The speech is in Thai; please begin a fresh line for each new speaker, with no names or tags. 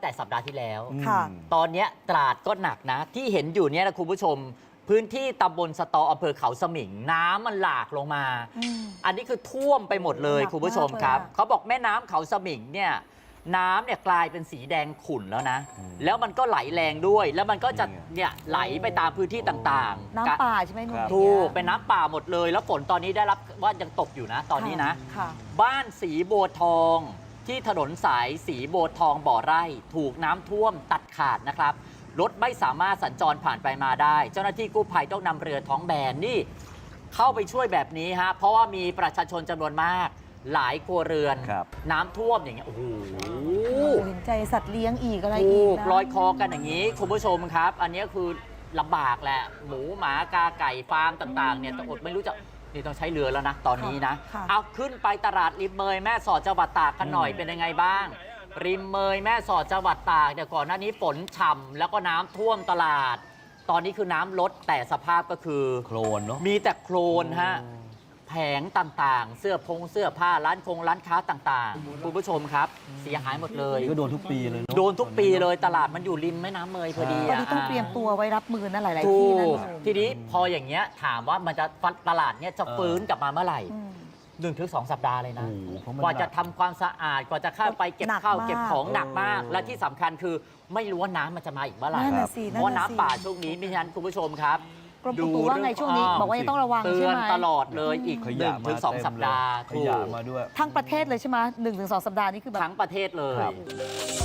แต่สัปดาห์ที่แล้ว
ค่ะ
ตอนนี้ตราดก็หนักนะ ที่เห็นอยู่เนี่ยนะคุณผู้ชม พื้นที่ตำบลสตออำเภอเขาสมิง น้ำมันหลากลงมา อันนี้คือท่วมไปหมดเลย
หนัก
คุณผู้ชม
มากเลย
ครับ
อะ
เขาบอกแม่น้ำเขาสมิงเนี่ยน้ำเนี่ยกลายเป็นสีแดงขุ่นแล้วนะ แล้วมันก็ไหลแรงด้วย แล้วมันก็จะเนี่ยไหลไปตามพื้นที่ต่างๆ
น้ำป่าใช่ไหมหนุ่ม
ถูกเป็นน้ำป่าหมดเลย แล้วฝนตอนนี้ได้รับว่ายังตกอยู่นะ ตอนนี้นะ
ค่ะ
บ้านสีโบวทองที่ถนนสายสีโบวทองบ่อไร่ ถูกน้ำท่วมตัดขาดนะครับรถไม่สามารถสัญจรผ่านไปมาได้ เจ้าหน้าที่กู้ภัยต้องนำเรือท้องแบนนี่เข้าไปช่วยแบบนี้ฮะเพราะว่ามีประชาชนจำนวนมาก หลายครัวเรือน น้ำท่วมอย่างเงี้ยโอ้โห
เห็นใจสัตว์เลี้ยงอีกอะไร
ถู
อีก
ก
นะ
ลอยคอกันอย่างนี้ คุณผู้ชมครับ อันนี้คือลำบากแหละ หมูหมากาไก่ฟาร์มต่างๆเนี่ยต้องอดไม่รู้จะนี่ต้องใช้เรือแล้วนะ ตอนนี้นะ
ค่ะ
เอาขึ้นไปตลาดริมเมยแม่สอดจังหวัดตากกันหน่อยเป็นยังไงบ้าง ริมเมยแม่สอดจังหวัดตากเนี่ยก่อนหน้านี้ฝนฉ่ำแล้วก็น้ำท่วมตลาด ตอนนี้คือน้ำลดแต่สภาพก็คือ
โคลนเนาะ
มีแต่โคลนฮะแผงต่างๆ เสื้อผ้าร้านค้าต่างๆ คุณผู้ชมครับ เสียหายหมดเลย
ก็โดนทุกปีเลยเนาะ
โดนทุกปีเลยตลาดมันอยู่ริมแม่น้ำเมยพอดี
ตอนนี้ต้องเตรียมตัวไว้รับมือนะหลาย ๆ
ถู
ที่นะ
ก
หนุ่ม
ทีนี้พออย่างเงี้ยถามว่ามันจะตลาดเนี้ยจะฟื้นกลับมาเมื่อไหร่
อืม
1-2 สัปดาห์เลยนะ
โอ้โหเพราะมัน
กว่าจะทำความสะอาดกว่าจะเข้าไปเก็บ
หนัก
ข้าว
มาก
เก็บของหนักมาก และที่สำคัญคือไม่รู้ว่าน้ำมันจะมาอีกเมื่อไหร่
นั่นน่ะสิ
เพราะว่า
นั่นน่ะสิ
น้ำป่าช่วงนี้มิฉะนั้นคุณผู้ชมครับ
กรมอุตุว่าไงช่วงนี้บอกว่ายังต้องระวัง
เตื
ใช่
อน
ไหม
ตลอดเลยอีก
ขยะมา
1-2 สัปดาห์
ข
ถูก
ยะมาด้วย
ทั้งประเทศเลยใช่ไหม1-2 สัปดาห์นี้คือแบบ
ทั้งประเทศเลย
ครับ